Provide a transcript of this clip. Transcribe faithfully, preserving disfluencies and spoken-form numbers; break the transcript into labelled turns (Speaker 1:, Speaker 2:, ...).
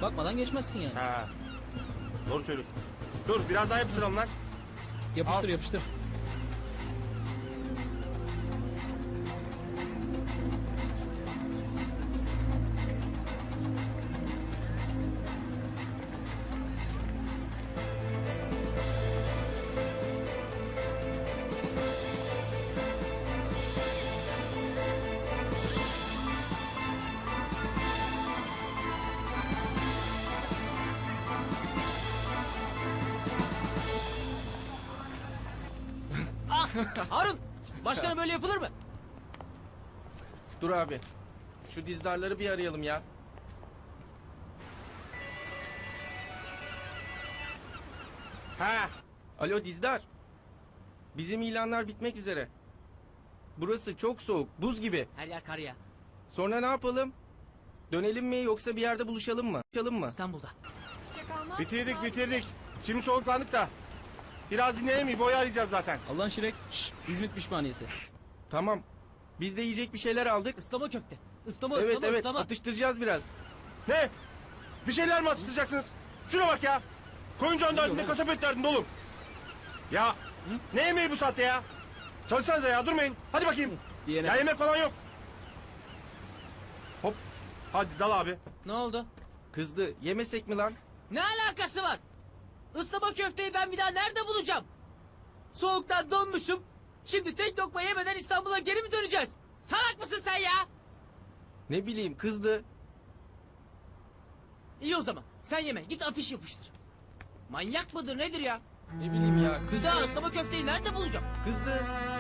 Speaker 1: Bakmadan geçmezsin yani.
Speaker 2: Ha. Doğru söylüyorsun. Dur biraz daha yapıştıralım lan.
Speaker 1: Yapıştır
Speaker 2: Al.
Speaker 1: yapıştır. Ah! Harun! Başkanım böyle yapılır mı?
Speaker 3: Dur abi. Şu dizdarları bir arayalım ya.
Speaker 2: Ha.
Speaker 3: Alo dizdar. Bizim ilanlar bitmek üzere. Burası çok soğuk, buz gibi.
Speaker 1: Her yer kar ya.
Speaker 3: Sonra ne yapalım? Dönelim mi yoksa bir yerde buluşalım mı? Buluşalım mı?
Speaker 1: İstanbul'da.
Speaker 2: Bitirdik bitirdik. Şimdi soluklandık da. Biraz dinlenelim İbo'yu arayacağız zaten.
Speaker 1: Allah'ın şirek. Şşş, İzmit pişmaniyesi.
Speaker 3: Tamam. Biz de yiyecek bir şeyler aldık.
Speaker 1: Islama köfte. Islama
Speaker 3: Evet
Speaker 1: ıslama
Speaker 3: evet
Speaker 1: ıslama.
Speaker 3: atıştıracağız biraz.
Speaker 2: Ne? Bir şeyler mi atıştıracaksınız? Şuna bak ya. Koyuncan derdinde
Speaker 1: oğlum?
Speaker 2: kasap et derdinde oğlum. Ya ne yemeği bu saatte ya? Çalışsanıza ya durmayın. Hadi bakayım.
Speaker 1: Diyene.
Speaker 2: Ya yemek falan yok. Hop. Hadi dal abi.
Speaker 1: Ne oldu?
Speaker 3: Kızdı. Yemesek mi lan?
Speaker 1: Ne alakası var? Islama köfteyi ben bir daha nerede bulacağım? Soğuktan donmuşum. Şimdi tek lokma yemeden İstanbul'a geri mi döneceğiz? Salak mısın sen ya?
Speaker 3: Ne bileyim kızdı.
Speaker 1: İyi o zaman. Sen yeme. Git afiş yapıştır. Manyak mıdır nedir ya?
Speaker 3: Ne bileyim ya
Speaker 1: Bir
Speaker 3: kızdı.
Speaker 1: daha ıslama köfteyi nerede bulacağım?
Speaker 3: Kızdı.